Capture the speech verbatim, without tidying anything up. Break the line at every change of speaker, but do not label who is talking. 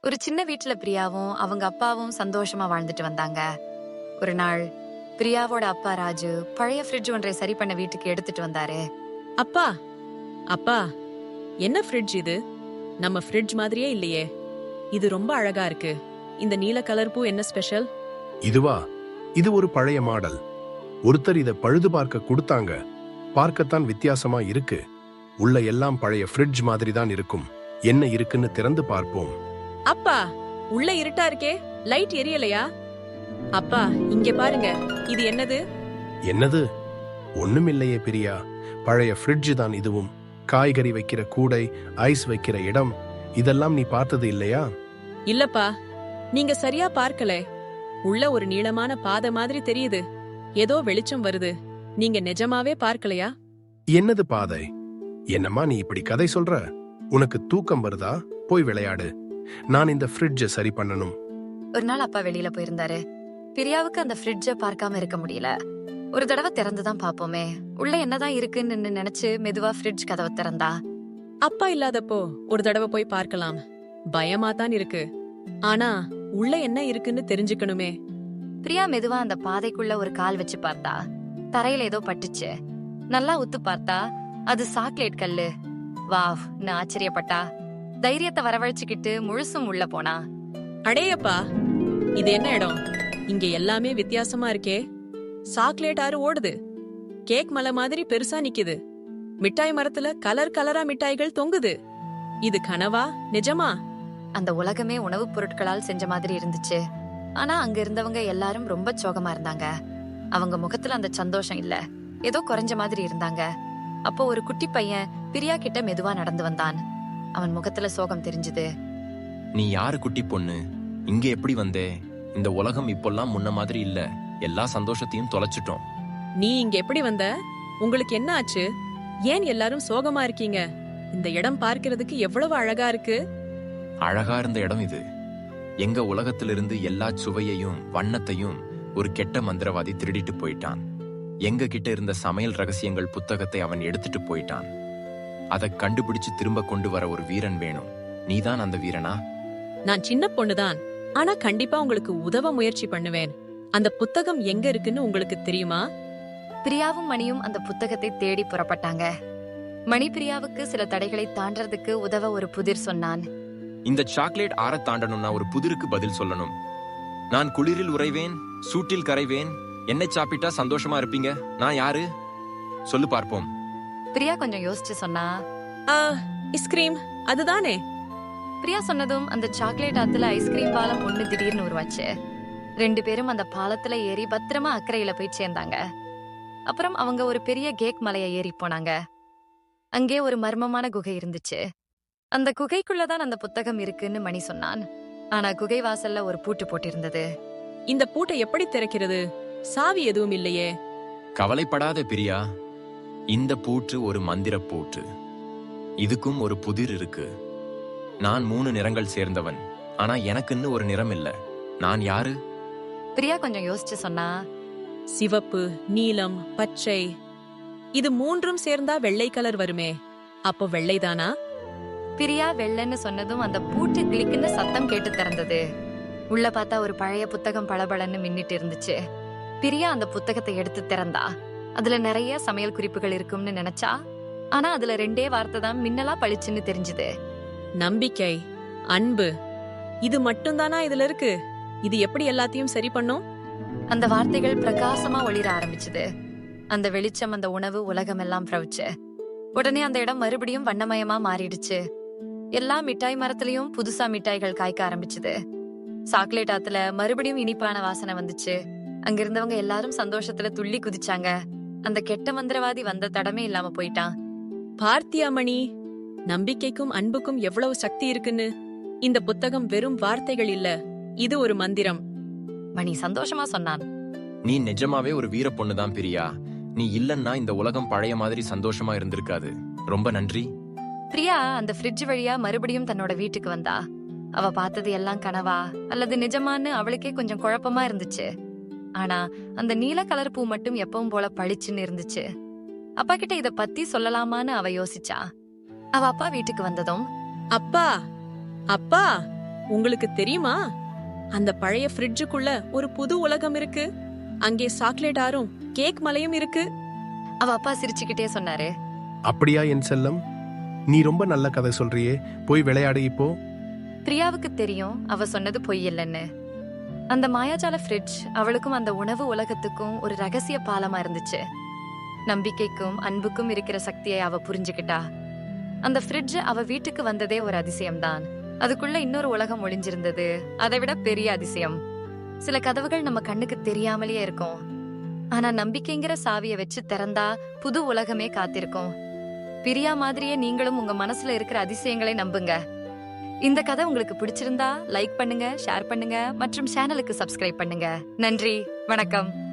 ஒரு சின்ன வீட்டுல பிரியாவும் அவங்க அப்பாவும் சந்தோஷமா வாழ்ந்துட்டு வந்தாங்க. ஒரு நாள் பிரியாவோட அப்பா ராஜு பழைய ஃப்ரிட்ஜ் ஒன்றை சரி பண்ண வீட்டுக்கு எடுத்துட்டு வந்தாரு.
அப்பா அப்பா என்ன ஃப்ரிட்ஜ் இது? நம்ம ஃப்ரிட்ஜ் மாதிரியே இல்லையே. இது ரொம்ப அழகா இருக்கு. இந்த நீல கலர் பூ என்ன ஸ்பெஷல்?
இதுவா? இது ஒரு பழைய மாடல். ஒருத்தர் இத பழுது பார்க்க கொடுத்தாங்க. பார்க்கத்தான் வித்தியாசமா இருக்கு. உள்ள எல்லாம் பழைய ஃப்ரிட்ஜ் மாதிரி தான் இருக்கும். என்ன இருக்குன்னு திறந்து பார்ப்போம்.
அப்பா, உள்ள இருட்டா இருக்கே, லைட் எரியலையா? அப்பா, இங்க பாருங்க, இது என்னது?
என்னது? ஒண்ணுமில்லையே பிரியா, பழைய ஃப்ரிட்ஜ் தான் இதுவும். காய்கறி வைக்கிற கூடை, ஐஸ் வைக்கிற இடம், இதெல்லாம் நீ பார்த்தது இல்லையா?
இல்லப்பா, நீங்க சரியா பார்க்கல. உள்ள ஒரு நீளமான பாதை மாதிரி தெரியுது. ஏதோ வெளிச்சம் வருது. நீங்க நிஜமாவே பார்க்கலையா?
என்னது பாதை? என்னம்மா நீ இப்படி கதை சொல்ற? உனக்கு தூக்கம் வருதா? போய் விளையாடு. நான் இந்த ஃப்ரிட்ஜ சரி பண்ணணும்.
ஒரு நாள் அப்பா வெளியில போயிருந்தாரு. பிரியாவுக்கு அந்த ஃப்ரிட்ஜ பார்க்காம இருக்க முடியல. ஒரு தடவை திறந்துதான் பாப்போமே, உள்ள என்னதான் இருக்குன்னு நினைச்சு மெதுவா ஃப்ரிட்ஜ் கதவை திறந்தா.
அப்பா இல்லாதப்போ ஒரு தடவை போய் பார்க்கலாம். பயமா தான் இருக்கு. ஆனா உள்ள என்ன இருக்குன்னு தெரிஞ்சுக்கணுமே.
பிரியா மெதுவா அந்த பாதைக்குள்ள ஒரு கால் வச்சு பார்த்தா. தரையில ஏதோ பட்டுச்சு. நல்லா உத்து பார்த்தா அது சாக்லேட் கல்லு. வாவ், நான் ஆச்சரியப்பட்டா. தைரியத்தை வரவழைச்சுக்கிட்டு முழுசும் உள்ள போனா.
அடேயப்பா, இது என்ன இடம்? இங்க எல்லாமே வித்தியாசமா இருக்கே. சாக்லேட் ஆறு ஓடுது. கேக் மலை மாதிரி பெருசா நிக்குது. மிட்டாய் மரத்துல கலர் கலரா மிட்டாய்கள் தொங்குது. இது கனவா நிஜமா?
அந்த உலகமே உணவுப் பொருட்களால் செஞ்ச மாதிரி இருந்துச்சு. ஆனா அங்க இருந்தவங்க எல்லாரும் ரொம்ப சோகமா இருந்தாங்க. அவங்க முகத்துல அந்த சந்தோஷம் இல்ல, ஏதோ குறைஞ்ச மாதிரி இருந்தாங்க. அப்போ ஒரு குட்டி பையன் பிரியா கிட்ட மெதுவா நடந்து வந்தான். அவன் முகத்துல சோகம் தெரிஞ்சுது.
நீ யாரு குட்டி பொண்ணு? இங்க எப்படி வந்தே? இந்த உலகம் இப்பெல்லாம் முன்ன மாதிரி இல்ல. எல்லா சந்தோஷத்தையும் தொலைச்சிட்டோம்.
நீ இங்க எப்படி வந்த? உங்களுக்கு என்ன ஆச்சு? ஏன் எல்லாரும் சோகமா இருக்கீங்க? இந்த இடம் பார்க்கிறதுக்கு எவ்வளவு அழகா இருக்கு.
அழகா இருந்த இடம் இது. எங்க உலகத்திலிருந்து எல்லா சுவையையும் வண்ணத்தையும் ஒரு கெட்ட மந்திரவாதி திருடிட்டு போயிட்டான். எங்க கிட்ட இருந்த சமையல் ரகசியங்கள் புத்தகத்தை அவன் எடுத்துட்டு போயிட்டான். அதை கண்டுபிடிச்சு திரும்ப கொண்டு வர ஒரு வீரன் வேணும். நீதான் அந்த வீரனா?
நான் சின்ன பொண்ணுதான், ஆனா கண்டிப்பா உங்களுக்கு உதவ முயற்சி பண்ணுவேன். அந்த புத்தகம் எங்க இருக்குன்னு உங்களுக்கு தெரியுமா?
பிரியாவும் மணியும் அந்த புத்தகத்தை தேடி புறப்பட்டாங்க. மணி பிரியாவுக்கு சில தடைகளை தாண்டறதுக்கு உதவ ஒரு புதிர் சொன்னான்.
இந்த சாக்லேட் ஆற தாண்டணும்னா ஒரு புதிருக்கு பதில் சொல்லணும். நான் குளிரில் உறைவேன், சூட்டில் கரைவேன். என்னை சாப்பிட்டா சந்தோஷமா இருப்பீங்க. நான் யாரு? சொல்லு பார்ப்போம்.
பிரியா கொஞ்சம் யோசிச்சு சொன்னா,
ஐஸ்கிரீம் அதுதானே?
பிரியா சொன்னதும் அந்த சாக்லேட் ஆத்துல ஐஸ்கிரீம் பாலம் ஒண்ணு திடீர்னு உருவாச்சு. ரெண்டு பேரும் அந்த பாலத்துல ஏறி பத்திரமா அக்கறையில போய் சேர்ந்தாங்க. அப்புறம் அவங்க ஒரு பெரிய கேக் மலையை ஏறி போனாங்க. அங்கே ஒரு மர்மமான குகை இருந்துச்சு. அந்த குகைக்குள்ளதான் அந்த புத்தகம் இருக்குன்னு மணி சொன்னான். ஆனா குகை வாசல்ல ஒரு பூட்டு போட்டிருந்தது.
இந்த பூட்டை எப்படி திறக்கிறது? சாவி எதுவும் இல்லையே.
கவலைப்படாத பிரியா, இந்த பூட்டு ஒரு மந்திர பூட்டு. இதுக்கும் ஒரு புதிர் இருக்கு. நான் மூணு நிறங்கள் சேர்ந்தவன், ஆனா எனக்குன்னு ஒரு நிறம் இல்ல. நான் யாரு?
பிரியா கொஞ்சம் யோசிச்சு சொன்னா,
சிவப்பு, நீலம், பச்சை. இது மூன்றும் சேர்ந்தா வெள்ளை கலர் வருமே. அப்போ வெள்ளைதானா?
பிரியா வெள்ளைன்னு சொன்னதும் அந்த பூட்டு கிளிக்குன்னு சத்தம் கேட்டு திறந்தது. உள்ள பார்த்தா ஒரு பழைய புத்தகம் பளபளன்னு மின்னிட்டு இருந்துச்சு. பிரியா அந்த புத்தகத்தை எடுத்து திறந்தா. அதுல நிறைய சமையல் குறிப்புகள் இருக்கும்னு நினைச்சா. ஆனா அதுல ரெண்டே வார்த்தை தான் மின்னலா பளிச்சுன்னு தெரிஞ்சுது.
நம்பிக்கை, அன்பு. இது மட்டும்தானா இதுல இருக்கு? இது எப்படி எல்லாத்தையும் சரி பண்ணும்?
அந்த வார்த்தைகள் பிரகாசமா ஒளிர ஆரம்பிச்சுது. அந்த வெளிச்சம் அந்த உணவு உலகம் எல்லாம் பிரவிச்சு. உடனே அந்த இடம் மறுபடியும் வண்ணமயமா மாறிடுச்சு. எல்லா மிட்டாய் மரத்திலயும் புதுசா மிட்டாய்கள் காய்க்க ஆரம்பிச்சுது. சாக்லேட் ஆத்துல மறுபடியும் இனிப்பான வாசனை வந்துச்சு. அங்க இருந்தவங்க எல்லாரும் சந்தோஷத்துல துள்ளி குதிச்சாங்க. அந்த கெட்ட மந்திரவாதி வந்த தடமே இல்லாம போயிட்டான்.
பார்த்தியா மணி, நம்பிக்கைக்கும் அன்புக்கும் எவ்வளவு சக்தி இருக்குன்னு. இந்த புத்தகம் வெறும் வார்த்தைகள் இல்ல, இது ஒரு மந்திரம்.
மணி சந்தோஷமா சொன்னான்.
நீ நிஜமாவே ஒரு வீர பொண்ணுதான் பிரியா. நீ இல்லன்னா இந்த உலகம் பழைய மாதிரி சந்தோஷமா இருந்திருக்காது. ரொம்ப நன்றி.
பிரியா அந்த ஃப்ரிட்ஜ் வழியா மறுபடியும் தன்னோட வீட்டுக்கு வந்தா. அவ பார்த்தது எல்லாம் கனவா அல்லது நிஜமான்னு அவளுக்கே கொஞ்சம் குழப்பமா இருந்துச்சு. ஆனா அந்த நீல கலர் பூ மட்டும் எப்பவும் போல பளிச்சுன்னு இருந்துச்சு. அப்பா கிட்ட இத பத்தி சொல்லலாமான்னு அவ யோசிச்சா. அவ அப்பா வீட்டுக்கு வந்ததும்,
அப்பா அப்பா உங்களுக்கு தெரியுமா, அந்த பழைய ஃப்ரிட்ஜுக்குள்ள ஒரு புது உலகம் இருக்கு. அங்கே சாக்லேட் ஆறும் கேக் மலையும் இருக்கு.
அவ அப்பா சிரிச்சுக்கிட்டே சொன்னாரு.
அப்படியா என் செல்லம்? நீ ரொம்ப நல்ல கதை சொல்றியே. போய் விளையாடு இப்போ.
பிரியாவுக்கு தெரியும் அவ சொன்னது பொய் இல்லைன்னு. அந்த மாயாஜால ஃப்ரிட்ஜ் அவளுக்கும் அந்த உணவு உலகத்துக்கும் ஒரு ரகசிய பாலமா இருந்துச்சு. நம்பிக்கைக்கும் அன்புக்கும் இருக்கிற சக்தியை அவ புரிஞ்சுக்கிட்டா. அந்த ஃப்ரிட்ஜ் அவ வீட்டுக்கு வந்ததே ஒரு அதிசயம்தான். அதுக்குள்ள இன்னொரு உலகம் ஒளிஞ்சிருந்தது, அதை விட பெரிய அதிசயம். சில கதவுகள் நம்ம கண்ணுக்கு தெரியாமலேயே இருக்கும். ஆனா நம்பிக்கைங்கிற சாவிய வச்சு திறந்தா புது உலகமே காத்திருக்கும். பிரியா மாதிரியே நீங்களும் உங்க மனசுல இருக்கிற அதிசயங்களை நம்புங்க. இந்த கதை உங்களுக்கு பிடிச்சிருந்தா லைக் பண்ணுங்க, ஷேர் பண்ணுங்க மற்றும் சேனலுக்கு சப்ஸ்கிரைப் பண்ணுங்க. நன்றி, வணக்கம்.